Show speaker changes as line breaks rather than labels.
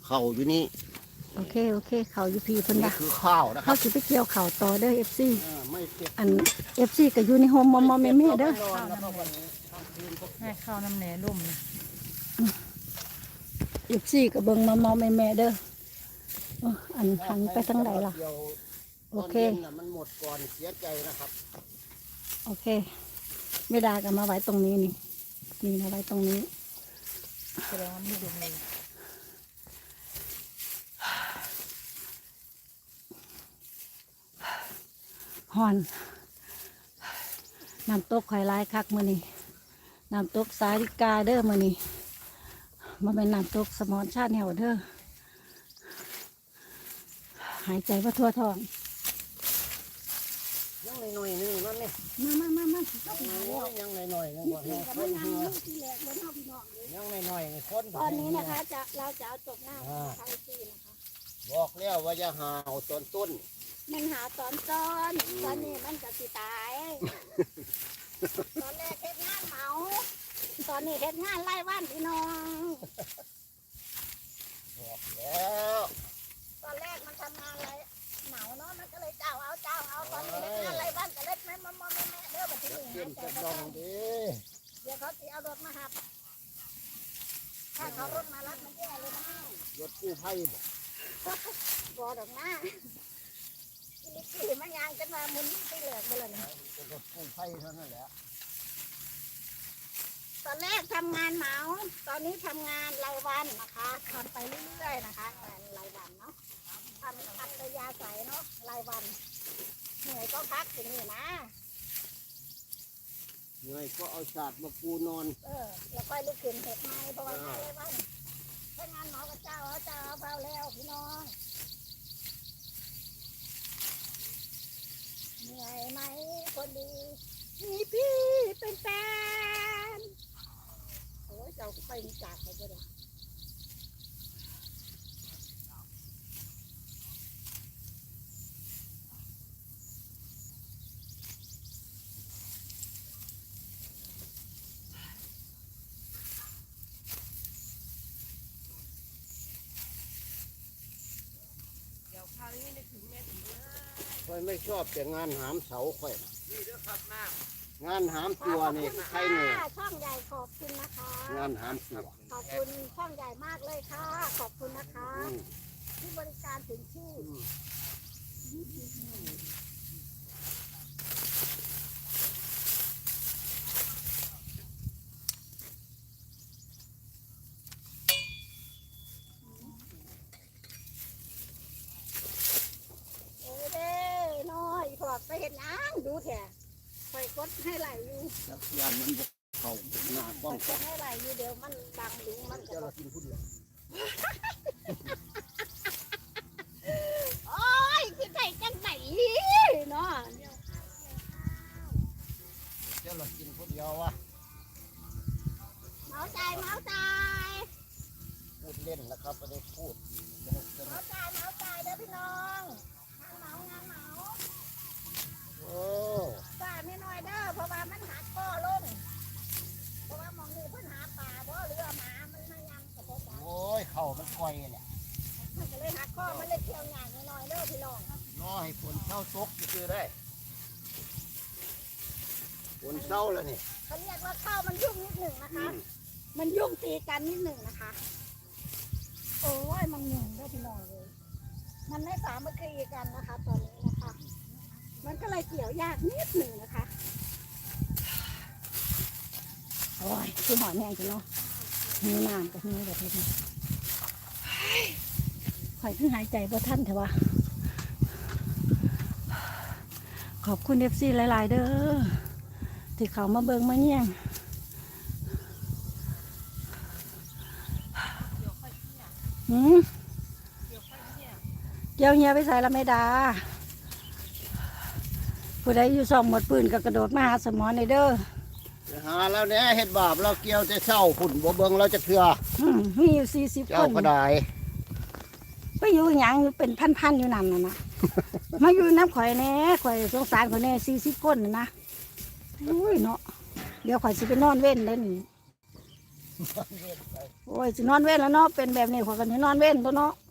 เข่าอยู่นี่
โอเคเขาอยู่พี่เพิ่น
นี่
ว่า
คือข้าวนะครั
เขา
บ
สิไปเกี่ยวเข่าวต่อเด้อ FC
ไม่เก็บ
อัน FC ก็อยู่ในโฮมมอมแม่เด้อ
นอนแล้วก็วันนี้ทำคืนก็
ให้ข้าวน้ำแหน่ร่มนะ
FC ก็เบิ่งมอมแม่เด้ออันหันไปทางใดล่ะ โอเค
ตนย็นน่ะมันหมดก่อนเสียใจนะครับ
โอเคไม่ได้ก็มาไว้ตรงนี้นี่มาไว้ตรงนี้
แสดงว่าไม่ดุเลย
ฮอนน้ำตกข่อยลายคักมื้อนี้น้ำตกสาลิกาเด้อมื้อนี้มาเป็นน้ำตกสมอนชาติแนวเด้อหายใจว่าทั่วท้อง
ยังหน่อยๆนึงนั่นนี่
มา
ยังหน่อยๆนึงว่าให้คนเหือยังหน่อยๆนี่คน
ตอนนี้นะคะเราจะเอาจบหน้าทางที่นะคะ
บอกแล้วว่าจะหาวตอนต้น
มันหาตอนต้นตอนนี้มันจะสิตาย ตอนแรกเฮ็ดงานเหมา ตอนนี้เฮ็ดงานไล่ว่านพี่น้อง
บอกแล้ว
ตอนแรกมันทำงานไรเหมาเนาะมันก็เลยเจ้าเอาตอนนี้เฮ็ดงานไล่ว่านก็เล็ดแม่เด้อบัดนี้
เต้นจะดองดี
เดี๋ยวเขาสิเอารถมาหับถ้าเขารถมารับมันแย่เลยนะ
รถกู้ภัยบอก
บ่ดอกนะขี่มันยางกันมาหมุนไปเหลือกไปเลย
เป็นรถกู้ภัยเท่านั้นแหละ
ตอนแรกทำงานเหมา ตอนนี้ทำงานรายวันนะคะทำไปเรื่อยๆนะคะงานรายวันเนาะทำอัตยาศัยเนาะรายวันเหนื่อยก็พักอย่างนี้นะ
เหนื่อยก็เอาฉาดมาปูนอน
แล้วก็ลุกขึ้นเห็ดไม้เพราะว่างานรายวันถ้างานหมอกับเจ้าเอาเบาแล้วพี่น้องเหนื่อยไหมคนดีมีพี่เป็นแฟนโอ้ยเจ้าก็ไปจากเขาไปเลย
เดี๋ยวคราวนี้นึกถึงแม่ติ๋มนะ
ค่อยไม่ชอบแต่งานหามเสาค่อยน่ะ
นี่เด้อครับน้
งานหามตัวนี่ใครเนี่ย
ช่องใหญ่ขอบคุณนะคะ
งานหามตัว
ขอบคุณช่องใหญ่มากเลยค่ะ ขอบคุณนะคะ
อืม
ที่บริการถึงที่ โอ้ยเด้น้อยพอไปเห็นน้ำดูแถะไปกดให้ไหลอยู่
จักรยานมันบอกเขาหน้ากล้อง
กดให้ไหลอยู่เดี๋ยวมันบังหลุงมัน
เจ้าเรากินผู้เดียว
โอ้ยคือไก่จังไหนเนาะ
เจ้าเรากินผู้เดียววะ
เมาใจ
พูดเล่นนะครับไม่ได้พูดสนุก
เมาใจเด้อพี่น้องงานเหมา
โอ้
ป้าไม่น้อยเด้อเพราะว่ามันหักก้อลงเพราะว่ามองนี่เพิ่นหาป่าบ่เรือหมามันมายำกับพ่อจ๋า
โอ้ยเข่ามันก่อยแหละ
มันก็เลยหักก้อมันเลยเที่ยวงานน้อยเด้อพี่น้อง
รอให้ฝนเช้าตกจะคือได้ฝนเช้าแล้วนี่
เขาเรียกว่าข้าวมันยุ่งนิดหนึ่งนะคะ มันยุ่งตีกันนิดหนึ่งนะคะ โอ้ยมันหนึ่งเด้อพี่น้องเลย มันไม่สามัคคีกันนะคะตอนนี้นะคะ มันก็เลยเกี่ยวยากนิดหนึ่งนะคะ โอ้ยคือหอยแมงจังเนาะมีน้ำกับมีแบบนี้หอยคือหายใจบ่ทันแต่ว่า ขอบคุณFCหลายๆเด้อที่เขามาเบิ่งมาเนี่ยง หืม
เดี๋ยวค่อยเนี่ย
เกี่ยวเฮียไปใส่ละไม่ดาผู้ใดอยู่ซ่องหมดปืนก็กระโดดมาหาสมอนในเด้อ
ไปหาแล้วเนี่ยเห็ดบาปเราเกี่ยวจะเช้าฝุ่นบ่เบิ่งเราจะเถื่อ
มีอยู่40 ค
เจ้าน ก็ได้
ไปอยู่หยังอยู่เป็นพันๆอยู่นั่นน่ะนะ มาอยู่น้ำข่อยแน่ข่อยสงสารข่อยแน่40 คนน่ะนะอุ้ยเนาะเดี๋ยวข่อยสิไปนอนเว้นเล่นโอ้ยสินอนเว้นแล้วเนาะเป็นแบบนี้ขอยกันสินอนเว้นตัวเนาะ